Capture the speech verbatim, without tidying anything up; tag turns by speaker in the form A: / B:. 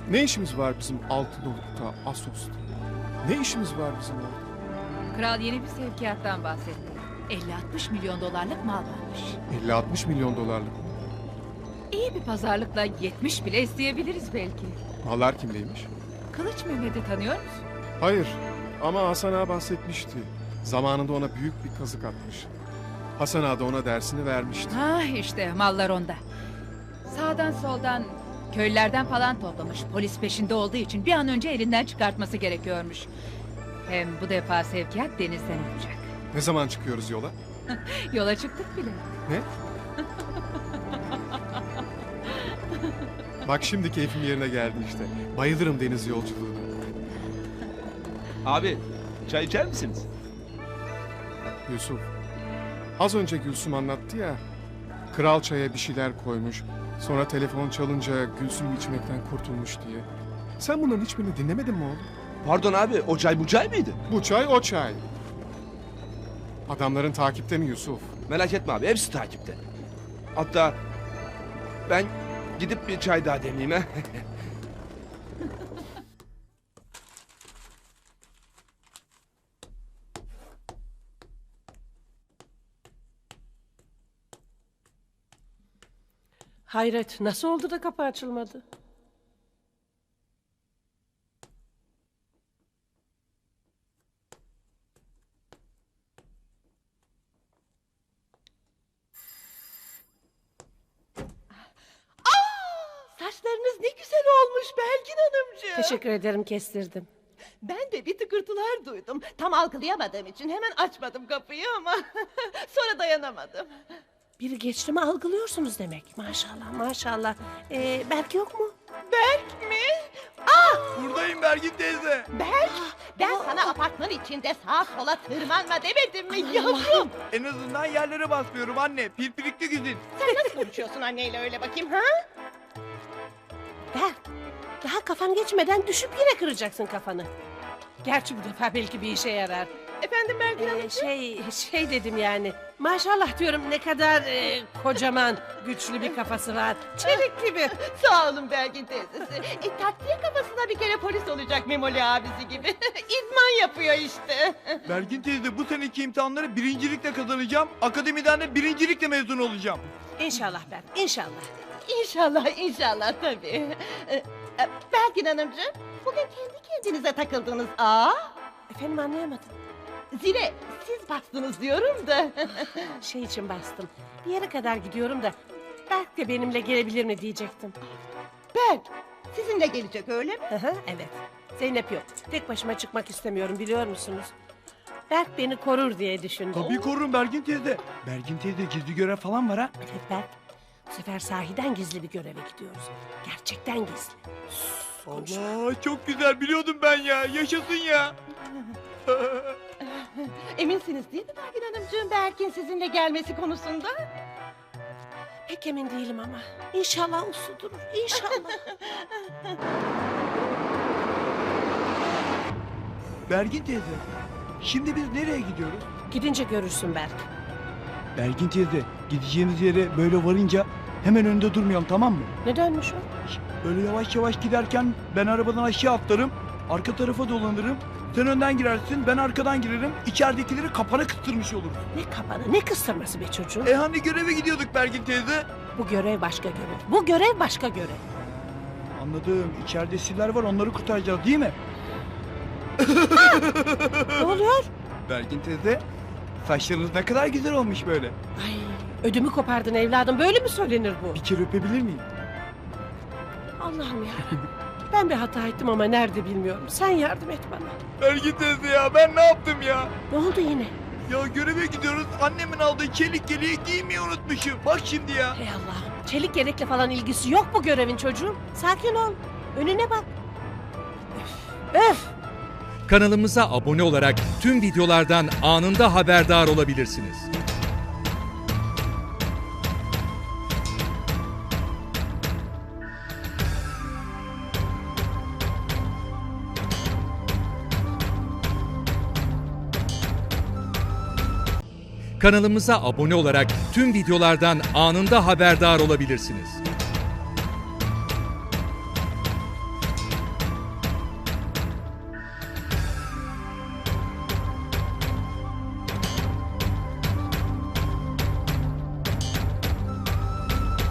A: Ne işimiz var bizim Altınoluk'ta, Assos'ta? Ne işimiz var bizim orada?
B: Kral yeni bir sevkiyattan bahsetti. elli altmış milyon dolarlık mal varmış.
A: elli altmış milyon dolarlık mı?
B: İyi bir pazarlıkla yetmiş bile isteyebiliriz belki.
A: Mallar kimdeymiş?
B: Kılıç Mehmet'i tanıyor musun?
A: Hayır ama Hasan Ağa bahsetmişti. Zamanında ona büyük bir kazık atmış. Hasan Ağa da ona dersini vermişti.
B: Ha işte mallar onda. Sağdan soldan köylülerden falan toplamış. Polis peşinde olduğu için bir an önce elinden çıkartması gerekiyormuş. Hem bu defa sevkiyat denizden olacak.
A: Ne zaman çıkıyoruz yola?
B: Yola çıktık bile.
A: Ne? Bak şimdi keyfim yerine geldi işte. Bayılırım deniz yolculuğuna.
C: Abi çay içer misiniz?
A: Yusuf, az önce Gülsüm anlattı ya. Kral çaya bir şeyler koymuş. Sonra telefon çalınca Gülsüm içmekten kurtulmuş diye. Sen bunların hiçbirini dinlemedin mi oğlum?
C: Pardon abi o çay bu çay mıydı?
A: Bu çay o çay. Adamların takipte mi Yusuf?
C: Merak etme abi hepsi takipte. Hatta ben gidip bir çay daha demleyeyim ha.
D: Hayret, nasıl oldu da kapı açılmadı?
E: Saçlarınız ne güzel olmuş Belgin Hanımcığım.
D: Teşekkür ederim, kestirdim.
E: Ben de bir tıkırtılar duydum. Tam algılayamadığım için hemen açmadım kapıyı ama sonra dayanamadım.
D: Biri geçti mi algılıyorsunuz demek. Maşallah, maşallah. Ee, Berk yok mu?
E: Berk mi?
C: Buradayım Bergin teyze.
E: Berk, ben sana apartman içinde sağa sola tırmanma demedim mi yavrum?
F: En azından yerlere basmıyorum anne. Pirpirikli güzin.
E: Sen nasıl konuşuyorsun anneyle öyle bakayım ha?
D: Berk, daha kafan geçmeden düşüp yine kıracaksın kafanı. Gerçi bu defa belki bir işe yarar.
E: Efendim Belgin
D: Ee,
E: Hanımcığım?
D: şey, şey dedim yani. Maşallah diyorum, ne kadar e, kocaman, güçlü bir kafası var. Çelik gibi.
E: Sağ olun Belgin teyzesi. E, takviye kafasına bir kere polis olacak Memoli abisi gibi. İdman yapıyor işte.
F: Bergin teyze bu seneki imtihanları birincilikle kazanacağım. Akademiden de birincilikle mezun olacağım.
D: İnşallah Berk, inşallah.
E: İnşallah, inşallah tabii. Ee, e, Belgin Hanımcığım, bugün kendi kendinize takıldınız. Aa,
D: Efendim, anlayamadım.
E: zile siz bastınız diyorum da.
D: Şey için bastım. Bir yere kadar gidiyorum da Berk de benimle gelebilir mi diyecektim.
E: Berk, sizinle gelecek öyle mi?
D: Hı hı, evet. Zeynep yok. Tek başıma çıkmak istemiyorum, biliyor musunuz? Berk beni korur diye düşündüm.
F: Tabii korurum Bergin teyze. Bergin teyze gizli görev falan var ha.
D: Evet Berk. Bu sefer sahiden gizli bir göreve gidiyoruz. Gerçekten gizli.
F: Allah çok güzel biliyordum ben ya. Yaşasın ya.
E: Eminsiniz değil mi Belgin Hanımcığım Berk'in sizinle gelmesi konusunda?
D: Pek emin değilim ama. İnşallah uslu durur. İnşallah.
F: Bergin teyze. Şimdi biz nereye gidiyoruz?
D: Gidince görürsün Berk.
F: Bergin teyze gideceğimiz yere böyle varınca hemen önünde durmayalım, tamam mı?
D: Ne dönmüş o?
F: Böyle yavaş yavaş giderken ben arabadan aşağı atlarım. Arka tarafa dolanırım. Sen önden girersin, ben arkadan girerim. İçeridekileri kapana kıstırmış oluruz.
D: Ne kapanı, ne kıstırması be çocuğum.
F: E hani göreve gidiyorduk Bergin teyze?
D: Bu görev başka görev. Bu görev başka görev.
F: Anladım. İçeride siller var, onları kurtaracağız değil mi?
D: Ne oluyor?
F: Bergin teyze, saçlarınız ne kadar güzel olmuş böyle.
D: Ay, ödümü kopardın evladım. Böyle mi söylenir bu?
F: Bir kere öpebilir miyim?
D: Allah'ım ya. Ben bir hata ettim ama nerede bilmiyorum. Sen yardım et bana.
F: Bergin teyze ya, ben ne yaptım ya?
D: Ne oldu yine?
F: Ya göreve gidiyoruz, annemin aldığı çelik yeleği giymeyi unutmuşum. Bak şimdi ya.
D: Hey Allah'ım. Çelik yelekle falan ilgisi yok bu görevin çocuğum. Sakin ol. Önüne bak. Öf. Öf.
G: Kanalımıza abone olarak tüm videolardan anında haberdar olabilirsiniz. Kanalımıza abone olarak tüm videolardan anında haberdar olabilirsiniz.